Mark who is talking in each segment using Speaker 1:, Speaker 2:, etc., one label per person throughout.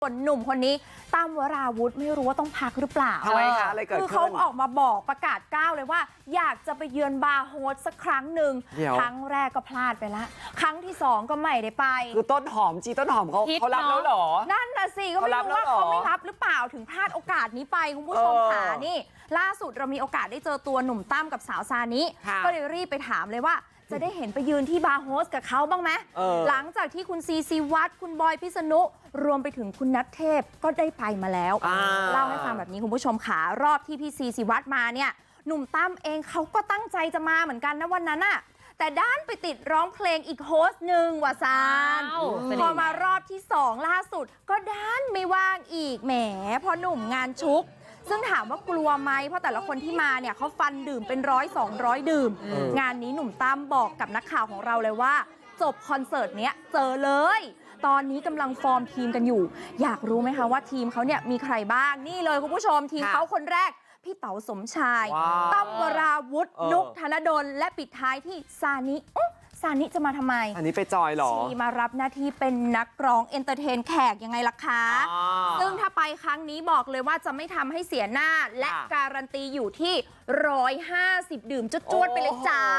Speaker 1: ส่วนหนุ่มคนนี้ตั้มวราวุธไม่รู้ว่าต้องพักหรือเปล่า
Speaker 2: ทำไมคะอะไรเกิดขึ้น
Speaker 1: คือเขาออกมาบอกประกาศก้าวเลยว่าอยากจะไปเยือนบาร์โฮสสักครั้งหนึ่งครั้งแรกก็พลาดไปละครั้งที่2ก็ไม่ได้ไป
Speaker 2: คือต้นหอมต้นหอมเขารับแล้วเหรอ
Speaker 1: นั่นน่ะสิก็ไม่รู้ว่าเขาไม่รับหรือเปล่าถึงพลาดโอกาสนี้ไปคุณผู้ชมค่ะนี่ล่าสุดเรามีโอกาสได้เจอตัวหนุ่มตั้มกับสาวซานิก็เลยรีบไปถามเลยว่าจะได้เห็นไปยืนที่บาร์โฮสกับเขาบ้างไหมหลังจากที่คุณซีวัตรคุณบอยพิษณุรวมไปถึงคุณนัทเทพก็ได้ไปมาแล้วเล่าให้ฟังแบบนี้คุณผู้ชมขารอบที่พี่ซีวัตรมาเนี่ยหนุ่มตั้มเองเขาก็ตั้งใจจะมาเหมือนกันนะวันนั้นน่ะแต่ด้านไปติดร้องเพลงอีกโฮสต์หนึ่งว่าซานพอมารอบที่2ล่าสุดก็ด้านไม่ว่างอีกแหมพอหนุ่มงานชุกซึ่งถามว่ากลัวไหมเพราะแต่ละคนที่มาเนี่ยเขาฟันดื่มเป็น100-200 ดื่มงานนี้หนุ่มตั้มบอกกับนักข่าวของเราเลยว่าจบคอนเสิร์ตเนี้ยเจอเลยตอนนี้กำลังฟอร์มทีมกันอยู่อยากรู้ไหมคะว่าทีมเขาเนี่ยมีใครบ้างนี่เลยคุณผู้ชมทีมเขาคนแรกพี่เต๋าสมชายตั้มวราวุธนุกธนดลและปิดท้ายที่ซานิจะมาทำไม
Speaker 2: อันนี้ไปจอยหรอ
Speaker 1: ชีมารับหน้าที่เป็นนักร้องเอนเตอร์เทนแขกยังไงล่ะคะซึ่งถ้าไปครั้งนี้บอกเลยว่าจะไม่ทำให้เสียหน้าและการันตีอยู่ที่150ดื่มจวดๆไปเลยจ้า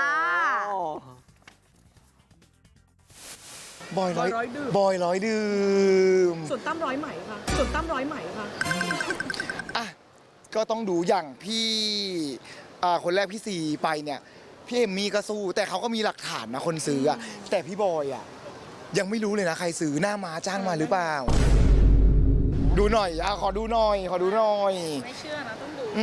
Speaker 3: บอยร้อยดื่ม
Speaker 4: ส่วนตั้มร้อยไหมค่ะส่วนตั้มร้อยไหมค่ะ
Speaker 3: อ่ะก็ต้องดูอย่างพี่คนแรกพี่ซีไปเนี่ยพี่เอมมี่ก็สู้แต่เขาก็มีหลักฐานนะคนซื้ออะแต่พี่บอยอะยังไม่รู้เลยนะใครซื้อหน้ามาจ้างมาหรือเปล่าดูหน่อยขอดูหน่อย
Speaker 4: ไม่เชื่อนะต้องดู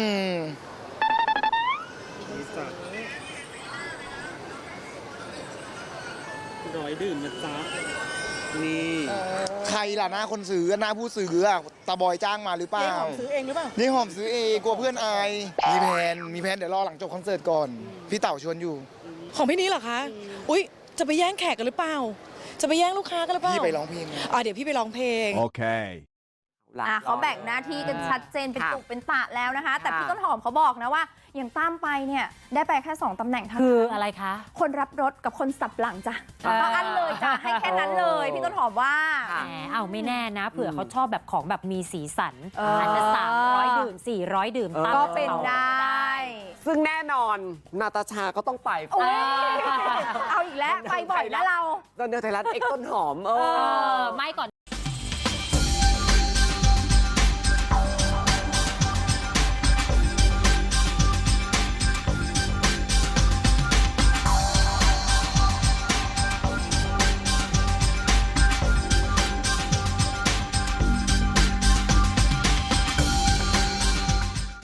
Speaker 5: ร้อยดื่มนะจ๊ะนี่
Speaker 3: ใครล่ะหน้าคนซื้อหน้าผู้ซื้ออะตาบอยจ้างมาหรือเปล่า
Speaker 4: หอมซื้อเองหรือเปล่า
Speaker 3: นี่หอมซื้อเองกลัวเพื่อนอายมีแผนเดี๋ยวรอหลังจบคอนเสิร์ตก่อนพี่เต่าชวนอยู่
Speaker 4: ของพี่นี้เหรอคะอุ๊ยจะไปแย่งแขกกันหรือเปล่าจะไปแย่งลูกค้ากันหรือเปล่า
Speaker 3: พี่ไปร้องเพลง
Speaker 4: เดี๋ยวพี่ไปร้องเพลง
Speaker 6: โอเค
Speaker 1: เขาแบ่งหน้าที่กันชัดเจนเป็นตุเป็นตะแล้วนะคะแต่พี่ต้นหอมเขาบอกนะว่าอย่างตั้มไปเนี่ยได้ไปแค่2ตำแหน่งเท่านั้น
Speaker 7: คืออะไรคะ
Speaker 1: คนรับรถกับคนสับหลังจ้ะก็อันเลยจ้ะให้แค่นั้นเลยพี่ต้นหอมว่า
Speaker 7: แหมเอาไม่แน่นะเผื่อเขาชอบแบบของแบบมีสีสันอาจจะ300ดื่ม400ดื่ม
Speaker 1: ก็เป็นได้
Speaker 2: ซึ่งแน่นอนนาตาชาก็ต้องไป
Speaker 1: เอาอีกแล้วไปบ่อยนะเรา
Speaker 2: ตอนเดียวไทยรัฐต้นหอม
Speaker 7: ไม่ก่อน